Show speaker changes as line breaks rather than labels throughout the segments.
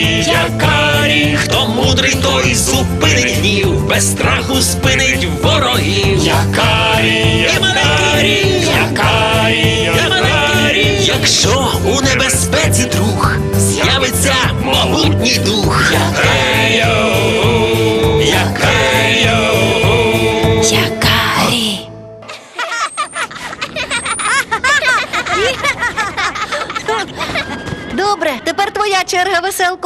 якарі, хто мудрий, той зупинить гнів, без страху спинить ворогів. Якарі, якарі, якарі, якарі, якщо у небезпеці друг, з'явиться могутній дух. Якарі, якарі,
Якарі. Добре, тепер твоя черга, веселко.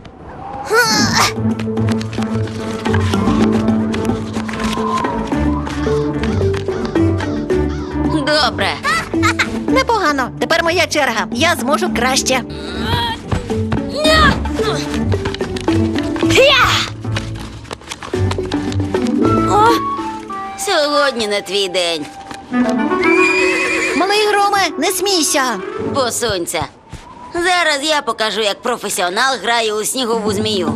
Добре.
Непогано. Тепер моя черга. Я зможу краще.
Сьогодні не твій день.
Малий Громе, не смійся.
Посунься. Зараз я покажу, як професіонал грає у снігову змію.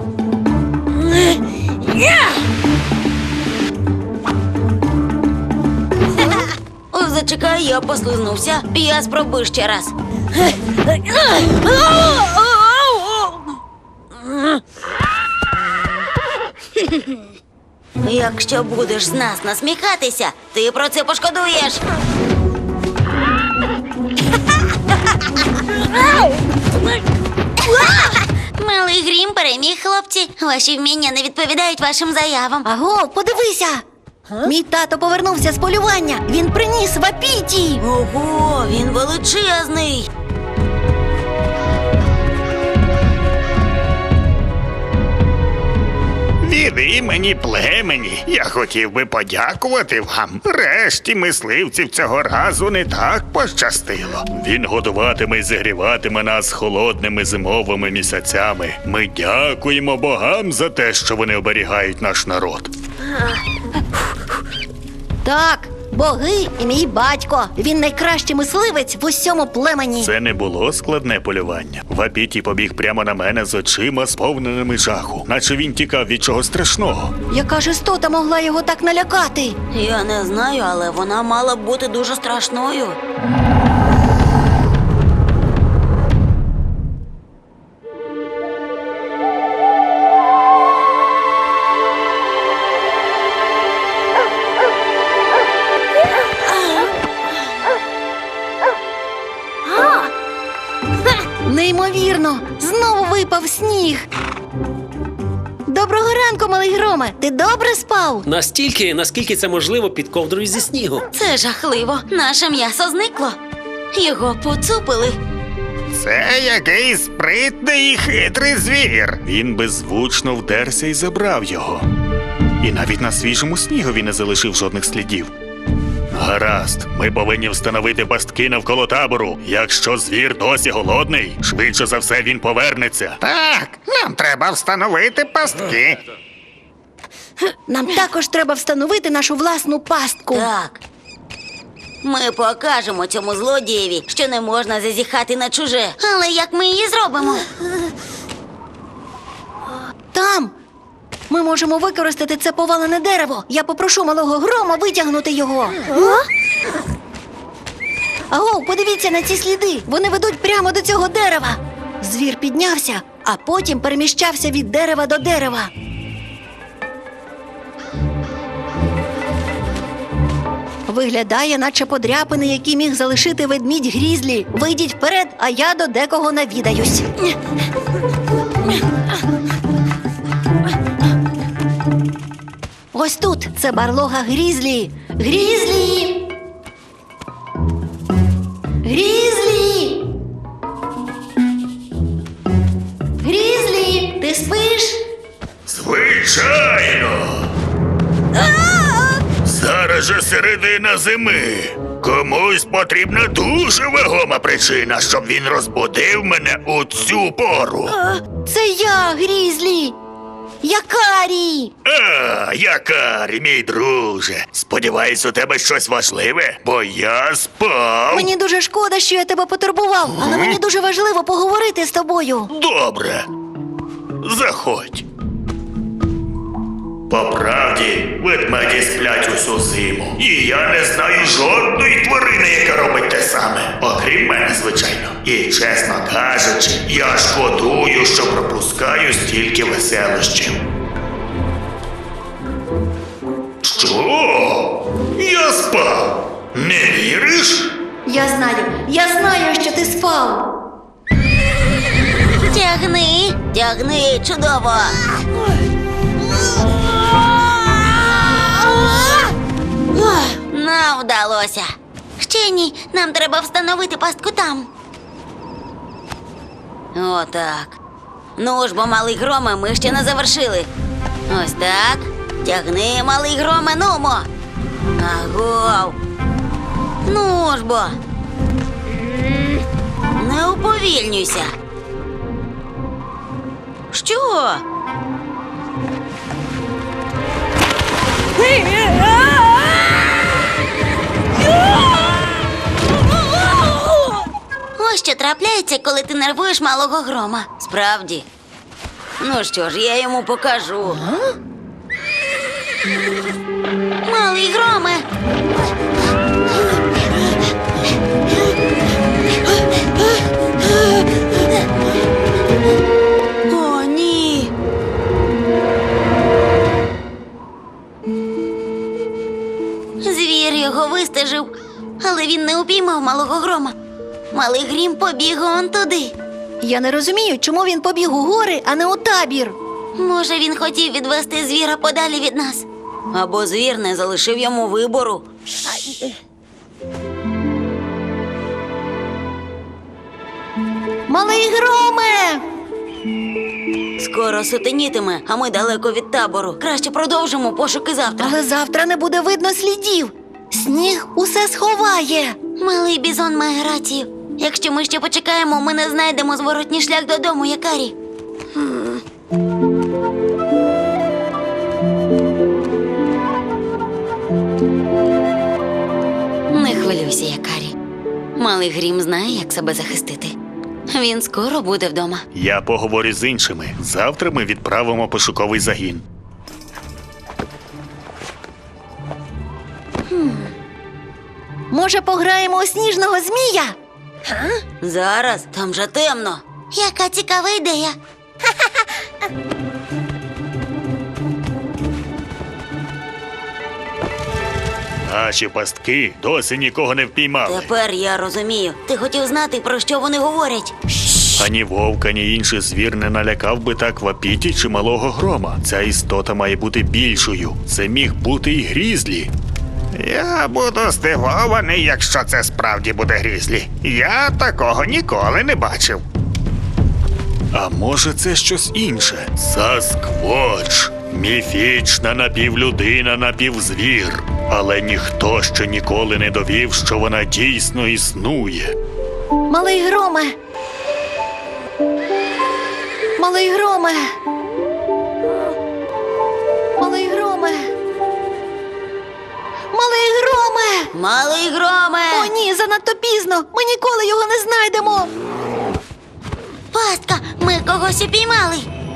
О, зачекай, я послизнувся. Я спробую ще раз. Якщо будеш з нас насміхатися, ти про це пошкодуєш. Малий Грім переміг, хлопці. Ваші вміння не відповідають вашим заявам.
Аго, подивися. Мій тато повернувся з полювання. Він приніс вапіті.
Ого, він величезний.
Від імені племені я хотів би подякувати вам. Решті мисливців цього разу не так пощастило. Він годуватиме і зігріватиме нас холодними зимовими місяцями. Ми дякуємо богам за те, що вони оберігають наш народ.
Так, боги і мій батько. Він найкращий мисливець в усьому племені.
Це не було складне полювання. Вапіті побіг прямо на мене з очима, сповненими жаху, наче він тікав від чогось страшного.
Яка ж істота могла його так налякати?
Я не знаю, але вона мала б бути дуже страшною.
Неймовірно! Знову випав сніг. Доброго ранку, малий Громе. Ти добре спав?
Настільки, наскільки це можливо під ковдрою зі снігу.
Це жахливо. Наше м'ясо зникло. Його поцупили.
Це якийсь спритний і хитрий звір. Він беззвучно вдерся і забрав його. І навіть на свіжому снігові не залишив жодних слідів. Гаразд, ми повинні встановити пастки навколо табору. Якщо звір досі голодний, швидше за все він повернеться. Так, нам треба встановити пастки.
Нам також треба встановити нашу власну пастку.
Так. Ми покажемо цьому злодієві, що не можна зазіхати на чуже. Але як ми її зробимо?
Там ми можемо використати це повалене дерево. Я попрошу малого Грома витягнути його. Аго, подивіться на ці сліди. Вони ведуть прямо до цього дерева. Звір піднявся, а потім переміщався від дерева до дерева. Виглядає, наче подряпини, які міг залишити ведмідь Грізлі. Вийдіть вперед, а я до декого навідаюсь. Ось тут. Це барлога Грізлі. Грізлі! Грізлі! Грізлі! Ти спиш?
Звичайно! Зараз же середина зими. Комусь потрібна дуже вагома причина, щоб він розбудив мене у цю пору.
Це я, Грізлі! Якарі!
Якарі, мій друже. Сподіваюсь, у тебе щось важливе, бо я спав.
Мені дуже шкода, що я тебе потурбував, але мені дуже важливо поговорити з тобою.
Добре. Заходь. По правді, ведмеді сплять усю зиму. І я не знаю жодної тварини, яка робить те саме. Окрім окрім мене, звичайно. І, чесно кажучи, я шкодую, що пропускаю стільки веселощів. Що? Я спав. Не віриш?
Я знаю, що ти спав.
Тягни, чудово. Нам вдалося. Ще ні, нам треба встановити пастку там. Отак. Ну ж бо, малий громе, ми ще не завершили. Ось так. Тягни, малий громе, нумо. Агов. Ну ж бо. Не уповільнюйся. Що? Ось що трапляється, коли ти нервуєш малого грома. Справді. Ну що ж, я йому покажу. Малий громе. О, ні. Звір його вистежив, але він не упіймав малого грома. Малий грім побіг он туди.
Я не розумію, чому він побіг у гори, а не у табір.
Може, він хотів відвести звіра подалі від нас. Або звір не залишив йому вибору.
Малий громе!
Скоро сутенітиме, а ми далеко від табору. Краще продовжимо пошуки завтра.
Але завтра не буде видно слідів. Сніг усе сховає.
Малий бізон має рацію. Якщо ми ще почекаємо, ми не знайдемо зворотній шлях додому, Якарі. Не хвилюйся, Якарі. Малий грім знає, як себе захистити. Він скоро буде вдома.
Я поговорю з іншими. Завтра ми відправимо пошуковий загін.
Може, пограємо у сніжного змія?
Зараз, там же темно. Яка цікава ідея.
Наші пастки досі нікого не впіймали.
Тепер я розумію. Ти хотів знати, про що вони говорять.
Ані вовк, ані інший звір не налякав би так Вапіті чи малого грома. Ця істота має бути більшою. Це міг бути і Грізлі. Я буду здивований, якщо це справді буде Грізлі. Я такого ніколи не бачив. А може це щось інше? Сасквоч. Міфічна напівлюдина, напівзвір. Але ніхто ще ніколи не довів, що вона дійсно існує.
Малий громе! Малий громе! Малий громе! Малий громе!
Малий громе!
О, ні, занадто пізно! Ми ніколи його не знайдемо!
Пастка, ми когось упіймали.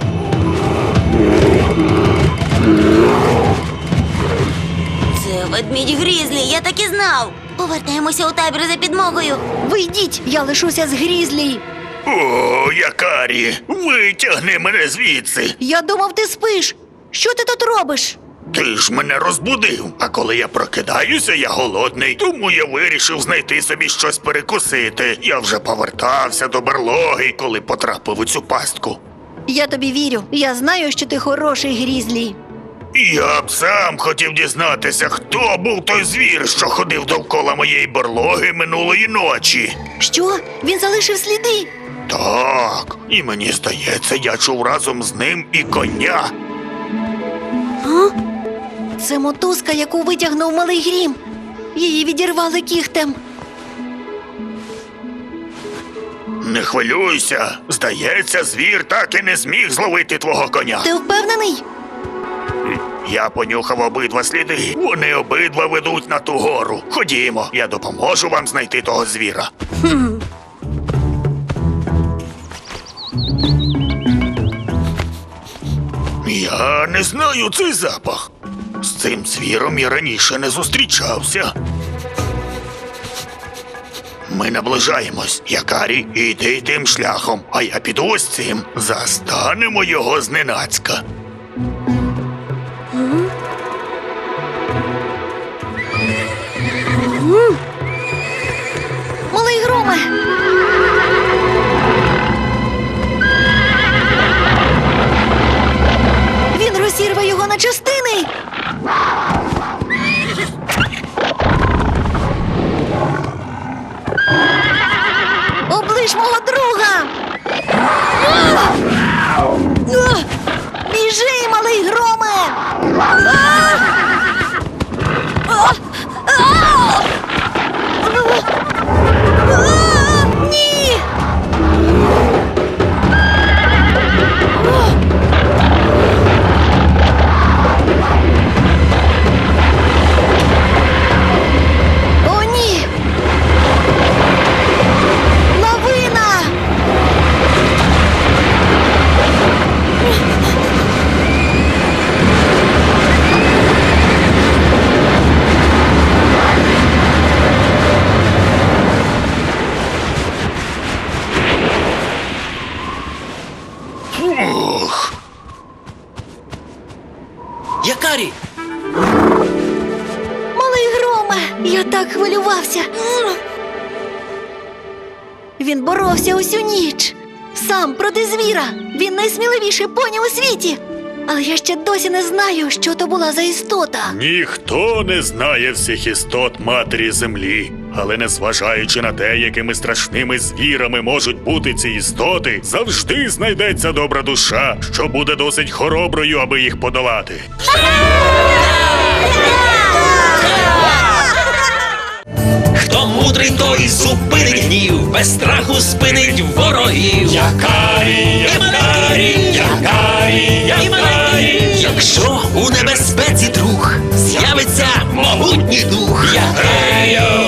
Це ведмідь Грізлі, я так і знав. Повертаємося у табір за підмогою.
Ви йдіть, я лишуся з Грізлі!
О, Якарі, витягни мене звідси.
Я думав, ти спиш! Що ти тут робиш?
Ти ж мене розбудив. А коли я прокидаюся, я голодний, тому я вирішив знайти собі щось перекусити. Я вже повертався до берлоги, коли потрапив у цю пастку.
Я тобі вірю. Я знаю, що ти хороший Грізлі.
Я б сам хотів дізнатися, хто був той звір, що ходив довкола моєї берлоги минулої ночі.
Що? Він залишив сліди?
Так, і мені здається, я чув разом з ним і коня.
Це мотузка, яку витягнув малий грім. Її відірвали кігтем.
Не хвилюйся, здається, звір так і не зміг зловити твого коня.
Ти впевнений?
Я понюхав обидва сліди. Вони обидва ведуть на ту гору. Ходімо, я допоможу вам знайти того звіра. Я не знаю цей запах. З цим звіром я раніше не зустрічався. Ми наближаємось. Якарі, іди тим шляхом, а я піду ось цим. Застанемо його зненацька.
Малий громе! Він розірве його на частини! Оближ мого друга! Біжи, малий громе! Ні! О, ні! Лавина!
Ух,
Якарі!
Малий громе! Я так хвилювався. Він боровся усю ніч. Сам проти звіра. Він найсміливіший поні у світі. Але я ще досі не знаю, що то була за істота.
ніхто не знає всіх істот матері землі. Але незважаючи на те, якими страшними звірами можуть бути ці істоти, завжди знайдеться добра душа, що буде досить хороброю, аби їх подолати.
Хто мудрий, той зупинить гнів, без страху спинить ворогів. Якарі, якарі. Якщо у небезпеці друг, з'явиться могутній дух. Якарі,